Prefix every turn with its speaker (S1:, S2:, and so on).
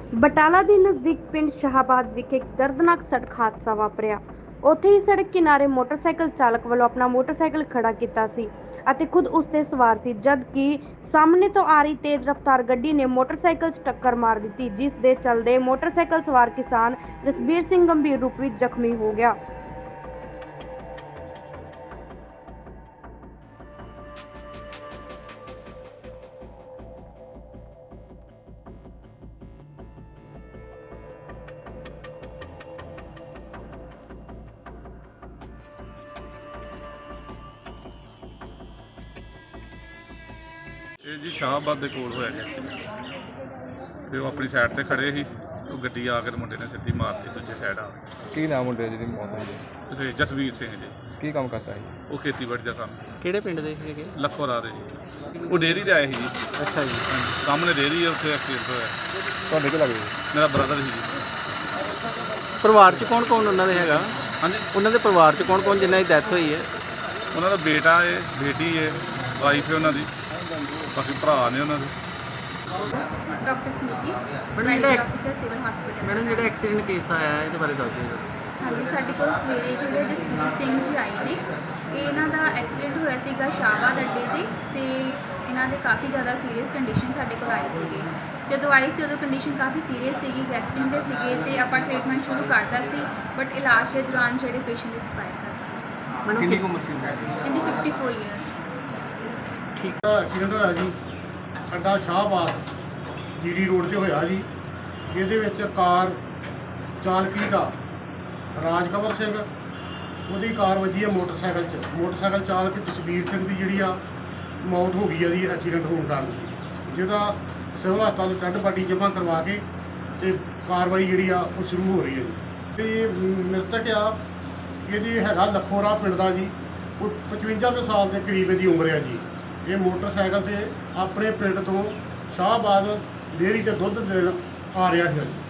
S1: ਬਟਾਲਾ ਦੇ ਨਜ਼ਦੀਕ ਪਿੰਡ ਸ਼ਾਹਬਾਦ ਵਿਖੇ ਇੱਕ ਦਰਦਨਾਕ ਸੜਕ ਹਾਦਸਾ ਵਾਪਰਿਆ। ਉੱਥੇ ਹੀ ਸੜਕ ਕਿਨਾਰੇ ਮੋਟਰਸਾਈਕਲ ਚਾਲਕ ਵੱਲੋਂ ਆਪਣਾ ਮੋਟਰਸਾਈਕਲ ਖੜਾ ਕੀਤਾ ਸੀ ਅਤੇ ਖੁਦ ਉਸ ਤੇ ਸਵਾਰ ਸੀ, ਜਦ ਕਿ ਸਾਹਮਣੇ ਤੋਂ ਆ ਰਹੀ ਤੇਜ਼ ਰਫ਼ਤਾਰ ਗੱਡੀ ਨੇ ਮੋਟਰਸਾਈਕਲ 'ਚ ਟੱਕਰ ਮਾਰ ਦਿੱਤੀ, ਜਿਸ ਦੇ ਚੱਲਦੇ ਮੋਟਰਸਾਈਕਲ ਸਵਾਰ ਕਿਸਾਨ ਜਸਬੀਰ ਸਿੰਘ ਗੰਭੀਰ ਰੂਪ ਵਿੱਚ ਜ਼ਖਮੀ ਹੋ ਗਿਆ।
S2: ਇਹ ਜੀ ਸ਼ਾਹਬਾਦ ਦੇ ਕੋਲ ਹੋਇਆ ਜੀ ਐਕਸੀਡੈਂਟ। ਤੇ ਉਹ ਆਪਣੀ ਸਾਈਡ ਤੇ ਖੜੇ ਸੀ, ਉਹ ਗੱਡੀ ਆ ਕੇ ਮੁੰਡੇ ਨੇ ਸਿੱਧੀ ਮਾਰਤੀ ਦੂਜੇ ਸਾਈਡ ਆ ਕੇ।
S3: ਕੀ ਨਾਮ ਮੁੰਡੇ ਜਿਹਦੀ ਮੌਤ ਹੋਈ ਹੈ?
S2: ਤੇ ਜਸਵੀਰ ਸਿੰਘ ਜੀ,
S3: ਕੀ ਕੰਮ ਕਰਦਾ ਹੈ?
S2: ਉਹ ਖੇਤੀਬਾੜੀ ਦਾ ਕੰਮ।
S4: ਕਿਹੜੇ ਪਿੰਡ ਦੇ ਸੀਗੇ?
S2: ਲੱਖੋ ਰਾਹ ਦੇ ਜੀ। ਉਹ ਡੇਅਰੀ ਤੇ ਆਏ ਸੀ ਜੀ।
S4: ਅੱਛਾ ਜੀ।
S2: ਹਾਂਜੀ, ਸਾਹਮਣੇ ਡੇਅਰੀ ਹੈ, ਉੱਥੇ ਐਕਸੀਡੈਂਟ ਹੋਇਆ।
S3: ਤੁਹਾਡੇ ਕੀ ਲੱਗਦਾ?
S2: ਮੇਰਾ ਬ੍ਰਦਰ ਸੀ ਜੀ।
S4: ਪਰਿਵਾਰ 'ਚ ਕੌਣ ਕੌਣ ਉਹਨਾਂ ਦੇ ਹੈਗਾ?
S2: ਹਾਂਜੀ,
S4: ਉਹਨਾਂ ਦੇ ਪਰਿਵਾਰ 'ਚ ਕੌਣ ਕੌਣ ਜਿਨ੍ਹਾਂ ਦੀ ਡੈਥ ਹੋਈ ਹੈ?
S2: ਉਹਨਾਂ ਦਾ ਬੇਟਾ ਹੈ, ਬੇਟੀ ਹੈ, ਵਾਈਫ ਹੈ ਉਹਨਾਂ ਦੀ, ਬਾਕੀ ਭਰਾ ਨੇ ਉਹਨਾਂ ਦੇ।
S5: ਡਾਕਟਰ ਸਮਿਤੀ,
S4: ਮੈਡਮ
S5: ਮੈਡੀਕਲ
S4: ਜਿਹੜਾ
S5: ਅਫਸਰ ਸਿਵਲ ਹਸਪੀਟਲ।
S4: ਮੈਡਮ ਜਿਹੜਾ ਐਕਸੀਡੈਂਟ ਕੇਸ ਆਇਆ ਇਹਦੇ ਬਾਰੇ ਦੱਸ ਦਿਓ।
S5: ਹਾਂਜੀ, ਸਾਡੇ ਕੋਲ ਸਵੇਰੇ ਜਿਹੜੇ ਜਸਬੀਰ ਸਿੰਘ ਜੀ ਆਏ ਨੇ, ਇਹਨਾਂ ਦਾ ਐਕਸੀਡੈਂਟ ਹੋਇਆ ਸੀਗਾ ਸ਼ਾਹਬਾਦ ਅੱਡੇ ਤੇ ਇਹਨਾਂ ਦੇ ਕਾਫੀ ਜ਼ਿਆਦਾ ਸੀਰੀਅਸ ਕੰਡੀਸ਼ਨ ਸਾਡੇ ਕੋਲ ਆਏ ਸੀਗੇ। ਜਦੋਂ ਆਏ ਸੀ ਉਦੋਂ ਕੰਡੀਸ਼ਨ ਕਾਫੀ ਸੀਰੀਅਸ ਸੀਗੀ, ਗੈਸਪਿੰਗ ਦੇ ਸੀਗੇ ਤੇ ਆਪਾਂ ਟ੍ਰੀਟਮੈਂਟ ਸ਼ੁਰੂ ਕਰਤਾ ਸੀ, ਬਟ ਇਲਾਜ ਦੇ ਦੌਰਾਨ ਜਿਹੜੇ ਪੇਸ਼ੈਂਟ ਐਕਸਪਾਇਰ ਕਰ ਗਏ
S4: ਮੈਡਮ ਕਿੰਨੀ ਉਮਰ ਸੀ?
S5: ਸੀ। ਇਹਦੀ 54 ਈਅਰ।
S6: ਐਕਸੀਡੈਂਟ ਹੋਇਆ ਜੀ ਅੱਡਾ ਸ਼ਾਹਬਾਦ ਜੀਡੀ ਰੋਡ ਤੇ ਹੋਇਆ ਜੀ, ਜਿਹਦੇ ਵਿੱਚ ਕਾਰ ਚਾਲਕੀ ਦਾ ਰਾਜਕਵਰ ਸਿੰਘ, ਉਹਦੀ ਕਾਰ ਵੱਜੀ ਹੈ ਮੋਟਰਸਾਈਕਲ 'ਚ। ਮੋਟਰਸਾਈਕਲ ਚਾਲਕ ਜਸਬੀਰ ਸਿੰਘ ਦੀ ਜਿਹੜੀ ਆ ਮੌਤ ਹੋ ਗਈ ਆ ਜੀ ਐਕਸੀਡੈਂਟ ਹੋਣ ਕਾਰਨ, ਜਿਹਦਾ ਸਿਵਲ ਹਸਪਤਾਲ ਡੈੱਡ ਬਾਡੀ ਜਮ੍ਹਾਂ ਕਰਵਾ ਕੇ ਤੇ ਕਾਰਵਾਈ ਜਿਹੜੀ ਆ ਉਹ ਸ਼ੁਰੂ ਹੋ ਰਹੀ ਹੈ ਜੀ। ਤੇ ਮ੍ਰਿਤਕ ਆ ਇਹਦੀ ਹੈਗਾ ਲੱਖੋ ਰਾਹ ਪਿੰਡ ਦਾ ਜੀ, ਉਹ 55 ਕੁ ਸਾਲ ਦੇ ਕਰੀਬ ਇਹਦੀ ਉਮਰ ਹੈ ਜੀ। ਇਹ ਮੋਟਰਸਾਈਕਲ ਤੇ ਆਪਣੇ ਪਿੰਡ ਤੋਂ ਸ਼ਾਹਬਾਦ ਡੇਅਰੀ ਤੇ ਦੁੱਧ ਦੇਣ ਆ ਰਿਹਾ ਸੀ ਜੀ।